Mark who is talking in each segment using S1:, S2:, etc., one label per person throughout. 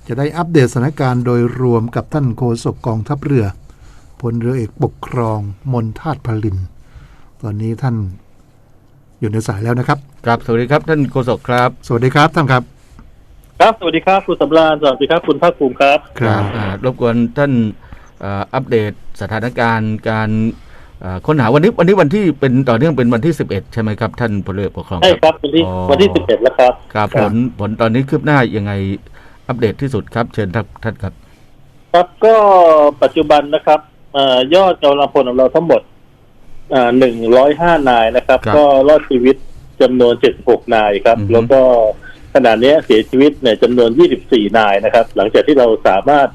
S1: จะได้อัปเดตสถานการณ์โดยรวมกับท่านโฆษกกองทัพเรือพลเรือเอกปกครองมนทาตพลินตอนนี้ท่านอยู่ในสายแล้วนะครับ
S2: ครับสวัสดีครับท่านโฆษกครับ
S1: สวัสดีครับท่านครับ
S3: ครับสวัสดีครับคุณสำราญสวัสดีครับคุณภาคภูมิครับ
S2: ครับรบกวนท่านอัปเดตสถานการณ์การค้นหาวันนี้วันที่เป็นต่อเนื่องเป็นวันที่11ใช่ไหมครับท่านพลเรือปกครอง
S3: ใช่ครับวันที่11แล้วครับ
S2: ครับผลตอนนี้คืบหน้ายังไงอัปเดตที่สุดครับเชิญท่านครับ
S3: ครับก็ปัจจุบันนะครับยอดกำลังพลของเราทั้งหมด105 นายนะครับก็รอดชีวิตจำนวน76 นายครับแล้วก็ขณะนี้เสียชีวิตเนี่ยจำนวน24 นายนะครับหลังจากที่เราสามารถ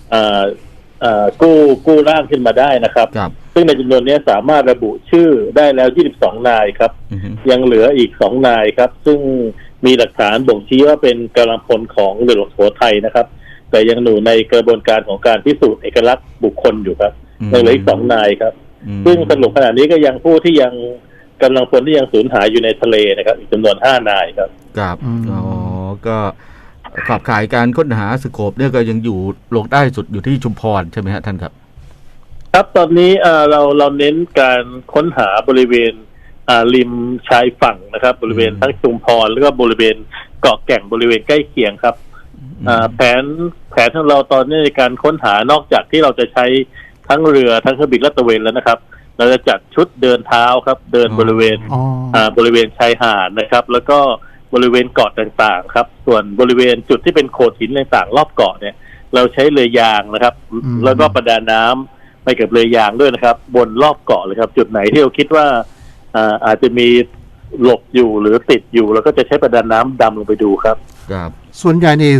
S3: กู้ร่างขึ้นมาได้นะครับซึ่งในจำนวนนี้สามารถระบุชื่อได้แล้ว22 นายครับยังเหลืออีก2 นายครับซึ่งมีหลักฐานบ่งชี้ว่าเป็นกำลังพลของเรือหลวงสุโขทัยนะครับแต่ยังอยู่ในกระบวนการของการพิสูจน์เอกลักษณ์บุคคลอยู่ครับยังเหลืออีก2 นายครับซึ่งสรุปขณะนี้ก็ยังผู้ที่ยังกำลังพลที่ยังสูญหายอยู่ในทะเลนะครับอีกจำนวน5 นายครับ
S2: ครับก็ขอบข่ายการค้นหาสโคปเนี่ยก็ยังอยู่ลงใต้สุดอยู่ที่ชุมพรใช่ไหมฮะท่านครับ
S3: ครับตอนนี้เราเน้นการค้นหาบริเวณริมชายฝั่งนะครับบริเวณทั้งชุมพรแล้วก็บริเวณเกาะแก่งบริเวณใกล้เคียงครับแผนของเราตอนนี้ในการค้นหานอกจากที่เราจะใช้ทั้งเรือทั้งเครื่องบินลาดตระเวนแล้วนะครับเราจะจัดชุดเดินเท้าครับเดินบริเวณชายหาดนะครับแล้วก็บริเวณเกาะต่างๆครับส่วนบริเวณจุดที่เป็นโขดหินต่างๆรอบเกาะเนี่ยเราใช้เรือยางนะครับแล้วก็ประดาน้ำไปกับเรือยางด้วยนะครับบนรอบเกาะเลยครับจุดไหนที่เราคิดว่าอาจจะมีหลบอยู่หรือติดอยู่เราก็จะใช้ประดาน้ำดำลงไปดูครับ
S2: ครับ
S1: ส่วนใหญ่นี่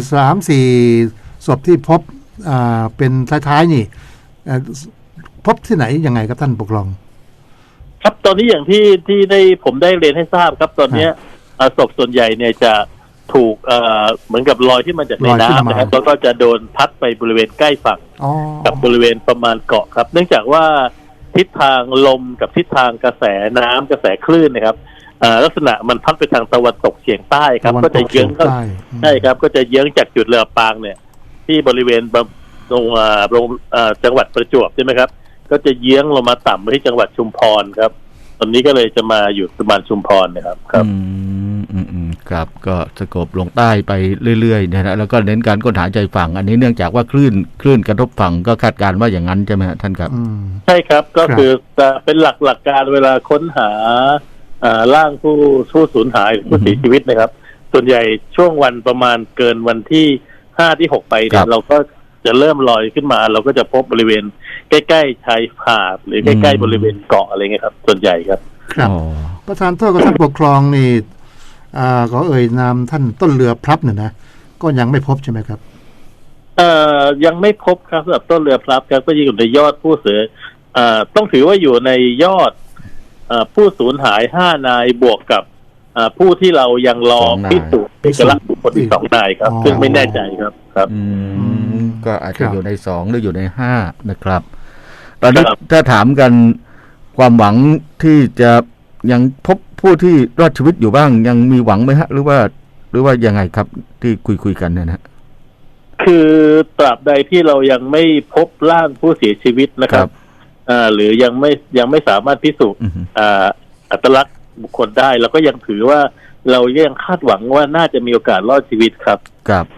S1: 3-4 ศพที่พบเป็นท้ายๆนี่พบที่ไหนยังไงครับท่านปกครอง
S3: ครับตอนนี้อย่างที่ได้ผมได้เรียนให้ทราบครับตอนนี้ศพส่วนใหญ่เนี่ยจะถูกเหมือนกับลอยที่มันจากในน้ำนะครับแล้วก็จะโดนพัดไปบริเวณใกล้ฝั่งกับบริเวณประมาณเกาะครับเนื่องจากว่าทิศทางลมกับทิศทางกระแสน้ำกระแสคลื่นนะครับลักษณะมันพัดไปทางตะวันตกเฉียงใต้ครับก็จะเยื้องใช่ครับก็จะเยื้องจากจุดเรือปางเนี่ยที่บริเวณตรงจังหวัดประจวบใช่ไหมครับก็จะเยื้องลงมาต่ำไปที่จังหวัดชุมพรครับตอนนี้ก็เลยจะมาอยู่ประมาณชุมพรนะครับครับ
S2: ก็สโคปลงใต้ไปเรื่อยๆนะแล้วก็เน้นการค้นหาใจฝั่งอันนี้เนื่องจากว่าคลื่นกระทบฝั่งก็คาดการณ์ว่าอย่างนั้นใช่ไหมท่านครับ
S3: ใช่ครับก็คือจะเป็นหลักการเวลาค้นหาร่างผู้สูญหายผู้เสียชีวิตนะครับส่วนใหญ่ช่วงวันประมาณเกินวันที่5 ที่ 6ไปเนี่ยเราก็จะเริ่มลอยขึ้นมาเราก็จะพบบริเวณใกล้ๆชายหาดหรือใกล้ๆบริเวณเกาะอะไรเงี้ยครับส่วนใหญ่ครับ
S1: ครับประธานโทษกับท่านปกครองนี่ขอเอ่ยนามท่านต้นเรือพลับเนี่ยนะก็ยังไม่พบใช่ไหมครับ
S3: ยังไม่พบครับสำหรับต้นเรือพลับครับก็อยู่ในยอดผู้เสียต้องถือว่าอยู่ในยอดผู้สูญหาย5 นายบวกกับผู้ที่เรายังรอพิสูจน์เอกลักษณ์บุคคลอีก2 นายครับซึ่งไม่แน่ใจครับ
S2: ก็อาจจะอยู่ใน2หรืออยู่ใน5นะครับตอนนี้ถ้าถามกันความหวังที่จะยังพบผู้ที่รอดชีวิตอยู่บ้างยังมีหวังไหมฮะหรือว่ายังไงครับที่คุยกันเนี่ยนะ
S3: คือตราบใดที่เรายังไม่พบร่างผู้เสียชีวิตนะครับหรือยังไม่สามารถพิสูจน์อัตลักษณ์บุคคลได้เราก็ยังถือว่าเรายังคาดหวังว่าน่าจะมีโอกาสรอดชีวิตครับ